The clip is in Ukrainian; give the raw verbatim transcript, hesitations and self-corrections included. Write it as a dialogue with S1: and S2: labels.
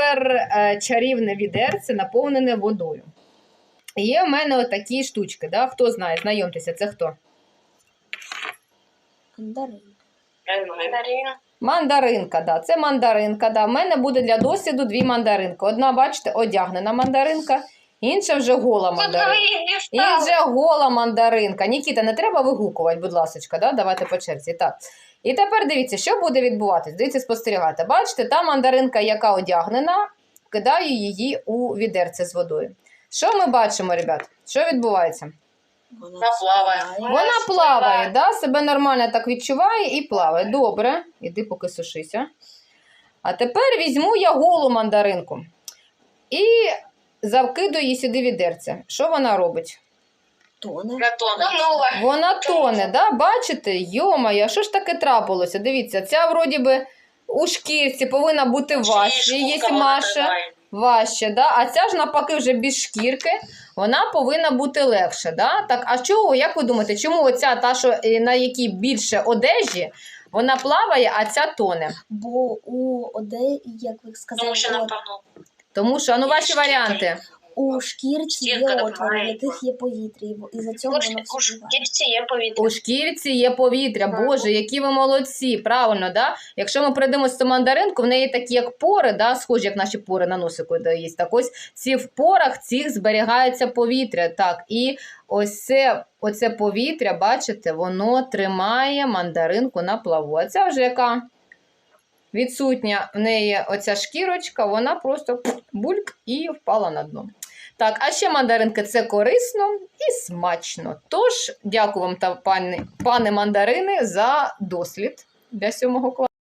S1: тепер е, чарівне відерце, наповнене водою. Є в мене отакі штучки, да? Хто знає, знайомтеся, це хто?
S2: Мандарин.
S3: Мандарина.
S1: Мандаринка, да, це мандаринка. Да. В мене буде для досліду дві мандаринки. Одна, бачите, одягнена мандаринка, інша вже гола мандаринка. Інша гола мандаринка. Нікіта, не треба вигукувати, будь ласка, да? Давайте по черзі. Так. І тепер дивіться, що буде відбуватись. Дивіться, спостерігайте. Бачите, та мандаринка, яка одягнена, кидаю її у відерце з водою. Що ми бачимо, ребят? Що відбувається?
S2: Вона
S3: плаває.
S1: Вона плаває, да? Себе нормально так відчуває і плаває. Добре, іди поки сушися. А тепер візьму я голу мандаринку і закидую її сюди відерце. Що вона робить?
S2: Тоне.
S3: Тонула.
S1: Вона тоне, да? Бачите? Йо-моє, що ж таке трапилося? Дивіться, ця вроді би у шкірці повинна бути важче, є Маша. Важче, да? А ця ж навпаки вже без шкірки, вона повинна бути легше. Да? Так, а чого, як ви думаєте, чому оця та, що на якій більше одежі, вона плаває, а ця тоне?
S2: Бо у оде, як ви сказали,
S3: Тому що
S2: от,
S3: напевно.
S1: Тому що, а ну ваші
S3: Шкірка.
S1: варіанти.
S2: у шкірці є
S3: Шкірка
S2: отвори, в
S3: допомагає.
S2: яких є повітря, і за цього
S3: У
S2: воно
S3: у
S2: вспливає.
S3: шкірці є повітря.
S1: У шкірці є повітря, боже, які ви молодці, правильно, да? Якщо ми придивимося до мандаринку, в неї такі як пори, да? Схожі, як наші пори на носику де є. Так ось ці в порах цих зберігається повітря, так, і ось це, оце повітря, бачите, воно тримає мандаринку на плаву. А ця вже яка відсутня в неї оця шкірочка, вона просто бульк і впала на дно. Так, а ще мандаринки – це корисно і смачно. Тож, дякую вам, та пане, пане мандарини, за дослід для сьомого класу.